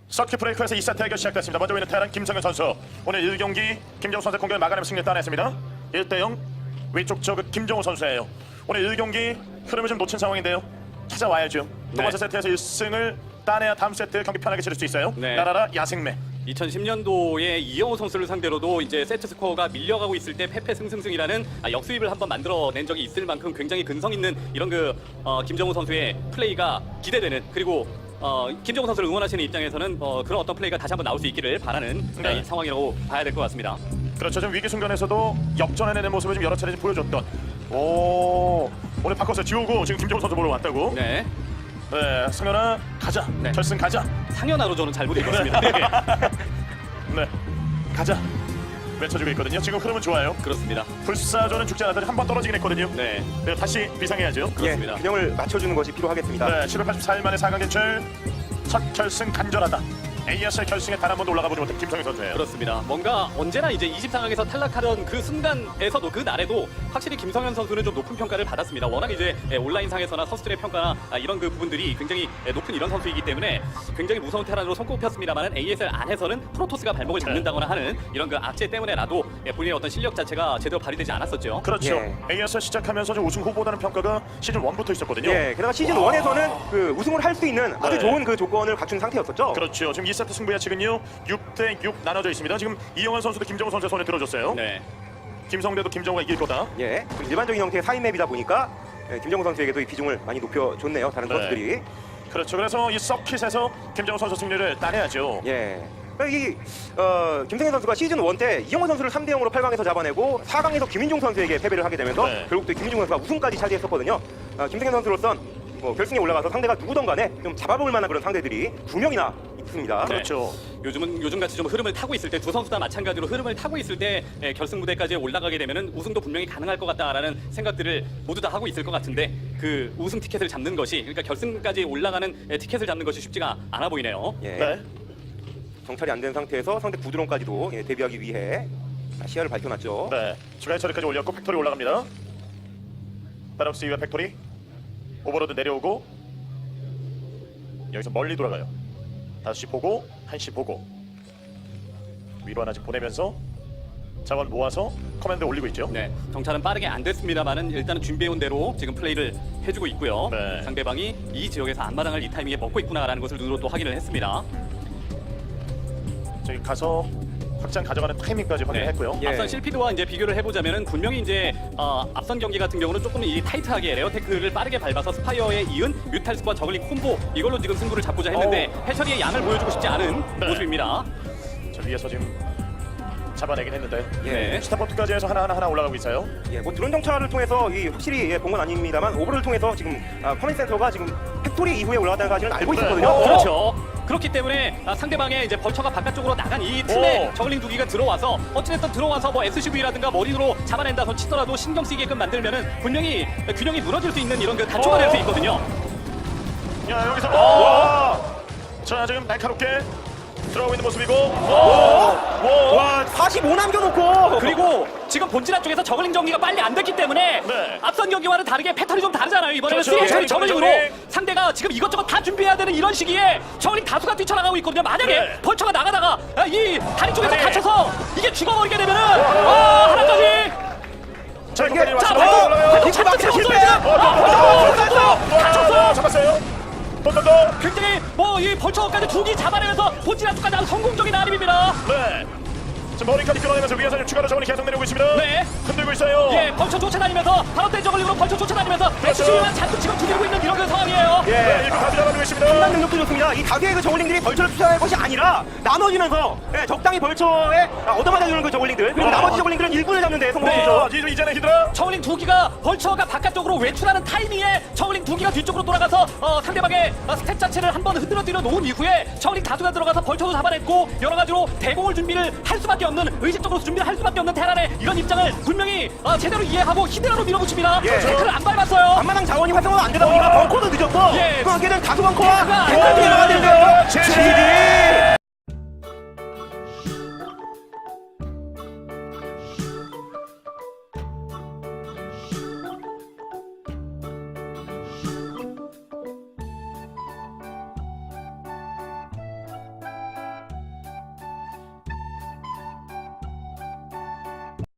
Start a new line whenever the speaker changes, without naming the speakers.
서킷 브레이커에서 2세트 대결 시작됐습니다. 먼저 보이는 테란 김성현 선수. 오늘 1경기 김정우 선수 공격을 막아내며 승리를 따냈습니다. 1대0 위쪽 저그 김정우 선수예요. 오늘 1경기 흐름을 좀 놓친 상황인데요. 찾아와야죠. 두 번째 세트에서 1승을 따내야 다음 세트 경기 편하게 치를 수 있어요. 나라라 야생매.
2010년도에 이영호 선수를 상대로도 이제 세트 스코어가 밀려가고 있을 때 패패승승승이라는 역수입을 한번 만들어낸 적이 있을 만큼 굉장히 근성 있는 이런 김정우 선수의 플레이가 기대되는, 그리고 김정우 선수를 응원하시는 입장에서는 그런 어떤 플레이가 다시 한번 나올 수 있기를 바라는 이 상황이라고 봐야 될 것 같습니다.
그렇죠. 좀 위기 순간에서도 역전해내는 모습을 좀 여러 차례 보여줬던. 오늘 바꿔서 지우고 지금 김정우 선수 보러 왔다고.
네.
네, 승현아 가자.
네.
결승 가자.
상현아로 저는 잘못 읽었습니다.
네, 가자. 외쳐주고 있거든요. 지금 흐름은 좋아요.
그렇습니다.
불사조는 죽지 않았더니 한 번 떨어지긴 했거든요.
네.
네, 다시 비상해야죠.
그렇습니다.
균형을 맞춰주는 것이 필요하겠습니다.
네, 784일 만에 4강 진출. 첫 결승 간절하다. ASL 결승에 단 한 번도 올라가 보지 못한 김성현 선수예요.
그렇습니다. 뭔가 언제나 이제 20상황에서 탈락하던 그 순간에서도, 그 날에도 확실히 김성현 선수는 좀 높은 평가를 받았습니다. 워낙 이제 온라인상에서나 선수들의 평가나 이런 그 부분들이 굉장히 높은 이런 선수이기 때문에 굉장히 무서운 테란으로 손꼽혔습니다만 ASL 안에서는 프로토스가 발목을 잡는다거나 하는 이런 그 악재 때문에라도 본인의 어떤 실력 자체가 제대로 발휘되지 않았었죠.
그렇죠.
예.
ASL 시작하면서 좀 우승 후보라는 평가가 시즌 1부터 있었거든요.
예, 게다가 시즌 1에서는 그 우승을 할 수 있는 아주
네.
좋은 그 조건을 갖춘 상태였었죠.
그렇죠. 지금 2세트 승부 예측은요 6대6 나눠져 있습니다. 지금 이영환 선수도 김정우 선수의 손에 들어줬어요.
네.
김성대도 김정우가 이길 거다.
예, 좀 일반적인 형태의 4인 맵이다 보니까 김정우 선수에게도 이 비중을 많이 높여줬네요. 다른
네.
선수들이.
그렇죠. 그래서 이 서킷에서 김정우 선수 승리를 따내야죠.
예. 이 김성현 선수가 시즌 1 때 이영호 선수를 3대 0으로 8강에서 잡아내고 4강에서 김민중 선수에게 패배를 하게 되면서
네.
결국 또 김민중 선수가 우승까지 차지했었거든요. 김성현 선수로선 결승에 올라가서 상대가 누구든 간에 좀 잡아볼 만한 그런 상대들이 2명이나 있습니다.
그렇죠.
요즘같이 좀 흐름을 타고 있을 때, 두 선수 다 마찬가지로 흐름을 타고 있을 때 결승 무대까지 올라가게 되면은 우승도 분명히 가능할 것 같다라는 생각들을 모두 다 하고 있을 것 같은데, 그 우승 티켓을 잡는 것이, 그러니까 결승까지 올라가는 티켓을 잡는 것이 쉽지가 않아 보이네요.
예.
네.
정찰이 안 된 상태에서 상대 구드론까지도 대비하기 위해 시야를 밝혀놨죠.
네. 추가 처리까지 올렸고 팩토리 올라갑니다. 바럭스 이후에 팩토리. 오버로드 내려오고 여기서 멀리 돌아가요. 5시 보고 1시 보고 위로 하나씩 보내면서 자원 모아서 커맨드 올리고 있죠.
네, 정찰은 빠르게 안 됐습니다만은 일단은 준비해온 대로 지금 플레이를 해주고 있고요.
네.
상대방이 이 지역에서 앞마당을 이 타이밍에 먹고 있구나라는 것을 눈으로 또 확인을 했습니다.
저기 가서 확장 가져가는 타이밍까지 확인했고요.
예.
앞선 실피드와 이제 비교를 해보자면은 분명히 이제 앞선 경기 같은 경우는 조금 이 타이트하게 레어테크를 빠르게 밟아서 스파이어에 이은 뮤탈스와 저글링 콤보, 이걸로 지금 승부를 잡고자 했는데 해처리의 양을 보여주고 싶지 않은
네.
모습입니다.
저 위에서 지금 잡아내긴 했는데
네.
스타포트까지 해서 하나 올라가고 있어요.
예, 뭐 드론 정찰을 통해서 확실히 본 건 아닙니다만 오버를 통해서 지금 커맨드 센터가 지금 팩토리 이후에 올라갔다는까지는 알고 있었거든요.
그렇죠. 그렇기 때문에 상대방의 이제 벌처가 바깥쪽으로 나간 이 틈에 저글링 두 기가 들어와서 어찌됐든 들어와서 뭐 SCV라든가 머리로 잡아낸다서 치더라도 신경 쓰이게끔 만들면은 분명히 균형이 무너질 수 있는 이런 그 단초가 될 수 있거든요.
야 여기서 자 지금 날카롭게 들어가고 있는 모습이고
와, 45 남겨놓고
그리고 지금 본진화 쪽에서 저글링 정리가 빨리 안 됐기 때문에
네.
앞선 경기와는 다르게 패턴이 좀 다르잖아요. 이번에는
그렇죠.
3H처리 저글링으로
저글링.
상대가 지금 이것저것 다 준비해야 되는 이런 시기에 저글링 다수가 뛰쳐나가고 있거든요. 만약에
네.
벌처가 나가다가 이 다리 쪽에서
네.
갇혀서 이게 죽어버리게 되면은 하나까지
자
이게-
이게
자,
빛을 막기가 실패!
잡았어요. 또.
굉장히 뭐 이 벌처까지 두 기 잡아내면서 본진화 쪽까지 아주 성공적인 아림입니다.
네. 지금 머리까지 끌어내면서 위에서 지금 추가로 저번에 계속 내려오고 있습니다.
네.
흔들고 있어요.
예, 벌처 쫓아다니면서 바로 때 저글링으로 벌처 쫓아다니면서 SCV만 잔뜩 지금 두드리고 있는 이런 그 상황이에요.
네, 이거 다시 잡아내고 있습니다.
판단 능력도 좋습니다. 이 다수의 그 저글링들이 벌처를 투자할 것이 아니라 나눠지면서 적당히 벌처에 얻어맞아주는 그 저글링들, 그리고 나머지 저글링들은 일꾼을 잡는 데 성공했죠.
이제는 히드라.
저글링 두 기가 벌처가 바깥쪽으로 외출하는 타이밍에 저글링 두 기가 뒤쪽으로 돌아가서 상대방의 스탯 자체를 한번 흔들어 놓은 이후에 저글링 다수가 들어가서 벌처도 잡아냈고 여러 가지로 대공을 준비를 할 수밖에 없는, 의식적으로 준비를 할 수밖에 없는 테란의 이런 입장을 분명히 제대로 이해하고 히드라로 밀어붙입니다.
예.
태클을 안 밟았어요.
앞마당 자원이 활성화가 안 되다 보니까 벙커도 늦었고
예.
그렇게 된 다수 벙커와
벙커가
탱크들이